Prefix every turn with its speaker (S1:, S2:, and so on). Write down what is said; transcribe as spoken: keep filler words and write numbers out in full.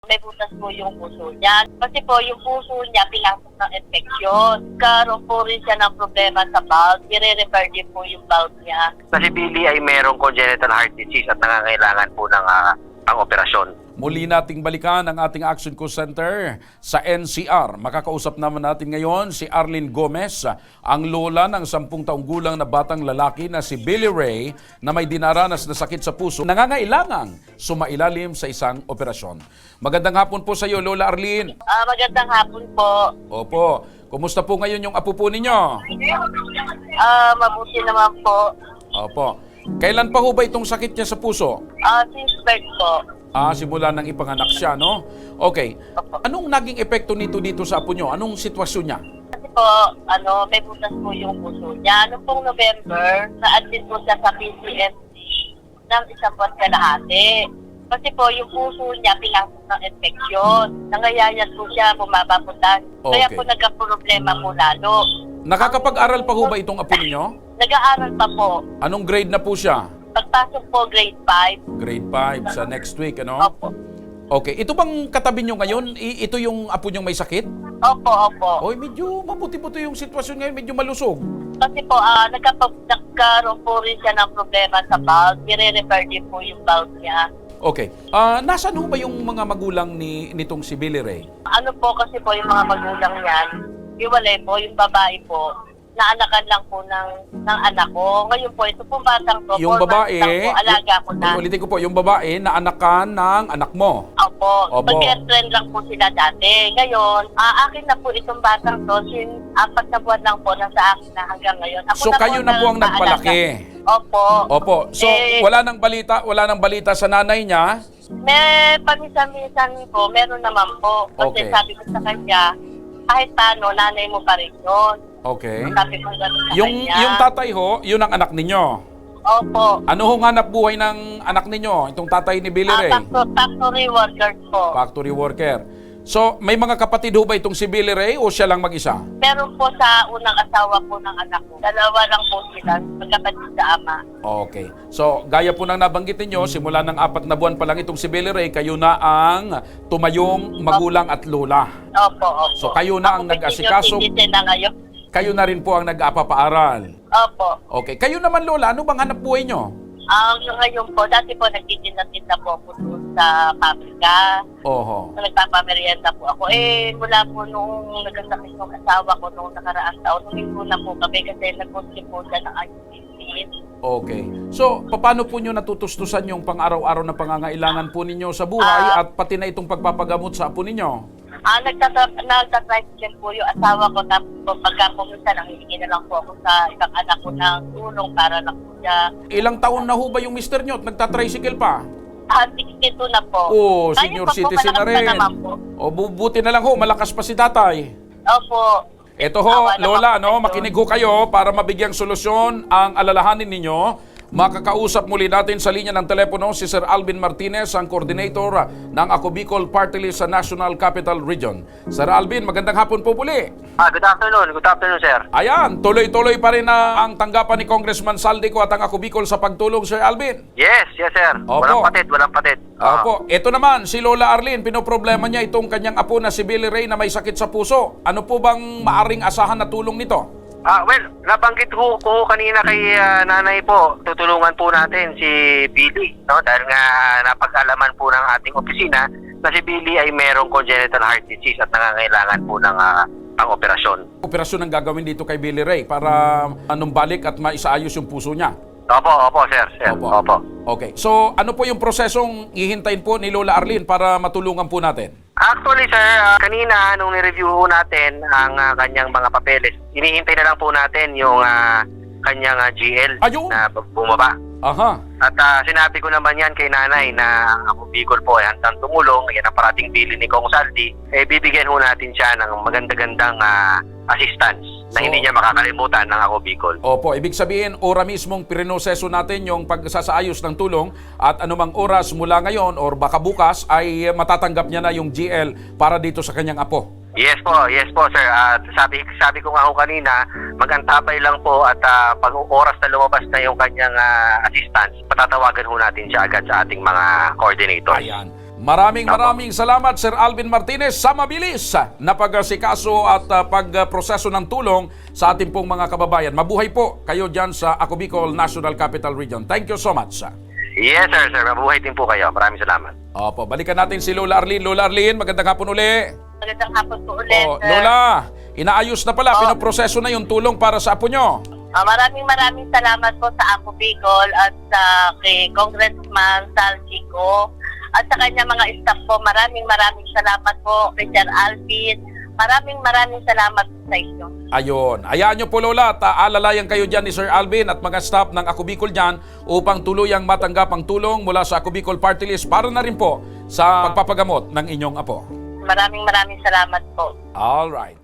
S1: May butas po yung puso niya. Kasi po yung puso niya pinasok ng infeksyon. Karoon po rin siya ng problema sa valve. I-repair din po yung valve niya.
S2: Na si Billy ay merong congenital heart disease at nangangailangan po ng uh, ang operasyon.
S3: Muli nating balikan ang ating Action Call Center sa N C R. Makakausap naman natin ngayon si Arlene Gomez, ang lola ng sampung taong gulang na batang lalaki na si Billy Ray na may dinaranas na sakit sa puso, nangangailangang sumailalim sa isang operasyon. Magandang hapon po sa iyo, Lola Arlene.
S1: Ah, magandang hapon po.
S3: Opo. Kumusta po ngayon yung apo po ninyo?
S1: Ah, mabuti naman po.
S3: Opo. Kailan pa ho ba itong sakit niya sa puso?
S1: Ah, since birth po.
S3: Ah, simula nang ipanganak siya, no? Okay. Anong naging epekto nito dito sa apo nyo? Anong sitwasyon niya?
S1: Kasi po, ano, may butas po yung puso niya. Noong pong November, na-admit po siya sa P C M C ng isang buwan kalahati. Kasi po, yung puso niya pinasok ng infeksyon. Nangayayat po siya, bumaba po tayo. Kaya
S3: Okay.
S1: po nagka-problema po lalo.
S3: Nakakapag-aral pa ho ba itong apo ninyo?
S1: Nag-aaral pa po.
S3: Anong grade na po siya?
S1: Pagpasok po, grade five.
S3: Grade five sa next week, ano?
S1: Opo.
S3: Okay. Ito bang katabi nyo ngayon? I- ito yung apo nyong may sakit?
S1: Opo, opo.
S3: Oy, medyo mabuti-buti yung sitwasyon ngayon. Medyo malusog.
S1: Kasi po, ah nagkapag nagkaroon po rin siya ng problema sa valve. I-repair din po yung valve niya.
S3: Okay. Ah, nasaan ho ba yung mga magulang ni nitong si Billy Ray?
S1: Ano po kasi po yung mga magulang niyan, iwalay po, yung babae po, naanakan lang po ng, ng anak ko. Ngayon po, ito pong batang to,
S3: Yung
S1: four
S3: babae,
S1: months lang po, alaga ko na.
S3: Ulitin ko po, yung babae na anakan ng anak mo.
S1: Opo,
S3: Opo.
S1: mag-girlfriend lang po sila dati. Ngayon, ah, akin na po itong batang to, sin apat na buwan lang po nasa akin na hanggang ngayon. Ako
S3: So kayo na po ang
S1: naalaga.
S3: nagpalaki.
S1: Opo.
S3: Opo. So
S1: Eh,
S3: wala nang balita, wala nang balita sa nanay niya.
S1: May paminsan-minsan po, meron naman po. Kasi
S3: Okay.
S1: sabi ko sa kanya, kahit paano, nanay mo pa rin yun.
S3: Okay.
S1: Sabi ko gano'n sa
S3: Yung
S1: kanya.
S3: yung tatay ho, yun ang anak ninyo.
S1: Opo.
S3: Ano hong hanap buhay ng anak ninyo? Itong tatay ni Billy
S1: Ah,
S3: Ray?
S1: factory, factory workers po.
S3: Factory worker. So, may mga kapatid ho ba itong si Billy Ray o siya lang mag-isa?
S1: Meron po sa unang asawa po ng anak ko. Dalawa lang po sila, magkapatid sa ama.
S3: Okay. So, gaya po ng nabanggit ninyo, simula ng apat na buwan pa lang itong si Billy Ray, kayo na ang tumayong magulang at lola.
S1: Opo, opo.
S3: So, kayo na ang
S1: Ako
S3: nag-asikaso.
S1: senior citizen na ngayon.
S3: Kayo na rin po ang nag-apapaaral.
S1: Opo.
S3: Okay. Kayo naman, lola, ano bang hanap buhay nyo?
S1: Ang ngayon po, dati po nagtitinda-tinda po ako doon sa pabrika.
S3: Oho.
S1: Nagpapamerienda po ako. Eh, mula po noong nagkasakit ng asawa ko noong nakaraang taon, huminto na po kami kasi nag-consume po siya ng ibuprofen.
S3: Okay. So, paano po nyo natutustusan yung pang-araw-araw na pangangailangan po ninyo sa buhay
S1: Ah.
S3: at pati na itong pagpapagamot sa apo ninyo?
S1: Ah, nagtatra- nagtatricycle po yung asawa ko, tapos po pagka po minsan, nangihingi na lang po ako sa ibang anak ko ng tulong para lang po siya.
S3: Ilang taon na ho ba yung mister nyo at nagtatricycle pa?
S1: Ah, sixty-two na po.
S3: Oh,
S1: Kaya
S3: senior
S1: pa po,
S3: citizen na
S1: malakas
S3: rin.
S1: naman po.
S3: O, bubuti na lang ho, malakas pa si tatay.
S1: Opo.
S3: Ito ho,
S1: Awa naman
S3: Lola,
S1: po
S3: no,
S1: ito.
S3: makinig ho kayo para mabigyang solusyon ang alalahanin ninyo. Makakausap muli natin sa linya ng telepono si Sir Alvin Martinez, ang coordinator ng Ako Bicol Party List sa National Capital Region. Sir Alvin, magandang hapon po muli.
S2: Ah, good afternoon. Good afternoon, sir.
S3: Ayan, tuloy-tuloy pa rin na ang tanggapan ni Congressman Saldico at ang Ako Bicol sa pagtulong, Sir Alvin.
S2: Yes, yes, sir.
S3: Opo.
S2: Walang patid, walang patid. Ah.
S3: Opo, ito naman, si Lola Arlene, pinoproblema niya itong kanyang apo na si Billy Ray na may sakit sa puso. Ano po bang maaring asahan na tulong nito?
S2: Ah, well, nabanggit ko, ko kanina kay ah, nanay po, tutulungan po natin si Billy, no? Dahil nga napag-alaman po ng ating opisina na si Billy ay merong congenital heart disease at nangangailangan po ng ah, ang operasyon.
S3: Operasyon ang gagawin dito kay Billy Ray para anong balik at maisaayos yung puso niya.
S2: Opo, opo, sir. sir.
S3: Opo.
S2: Opo.
S3: Okay, so ano po yung prosesong hihintayin po ni Lola Arlene para matulungan po natin?
S2: Actually, sir, ah, kanina nung ni-review ho natin ang ah, kanyang mga papeles, inihintay na lang po natin yung ah, kanyang ah, G L
S3: Ayun.
S2: na bumaba.
S3: Aha.
S2: At ah, sinabi ko naman yan kay nanay na ako Bicol po ay handang tumulong. Yan ang parating bili ni Kong Saldi. Eh, bibigyan ho natin siya ng maganda-gandang ah, assistance na
S3: So-
S2: hindi niya makakalimutan ng ako Bicol.
S3: Opo, ibig sabihin, ora mismong prinoseso natin yung pagsasaayos ng tulong at anumang oras mula ngayon or baka bukas ay matatanggap niya na yung G L para dito sa kanyang apo.
S2: Yes po, yes po sir. At sabi sabi ko nga ho kanina, magantabay lang po at ah, pag oras na lumabas na yung kanyang ah, assistance, patatawagan ho natin siya agad sa ating mga coordinators.
S3: Ayan. Maraming maraming salamat Sir Alvin Martinez sa mabilis na pagsikaso at uh, pagproseso ng tulong sa ating pong mga kababayan. Mabuhay po kayo dyan sa Ako Bicol National Capital Region. Thank you so much.
S2: Yes, sir, sir. Mabuhay din po kayo. Maraming salamat.
S3: Opo, balikan natin si Lola Arlene. Lola Arlene, magandang hapon uli.
S1: Magandang hapon po ulit.
S3: Oh,
S1: sir.
S3: Lola, inaayos na pala,
S1: Oh.
S3: pinoproseso na yung tulong para sa apo nyo.
S1: Ah, maraming maraming salamat po sa Ako Bicol at sa kay Congressman Sal Chico at sa kanya mga staff po. Maraming maraming salamat po kay Sir Alvin. Maraming maraming salamat po sa inyo.
S3: Ayun. Hayaan nyo po Lola at uh, alalayan kayo dyan ni Sir Alvin at mga staff ng Ako Bicol dyan upang tuluyang matanggap ang tulong mula sa Ako Bicol Party List para na rin po sa pagpapagamot ng inyong apo.
S1: Maraming maraming salamat po.
S3: All right.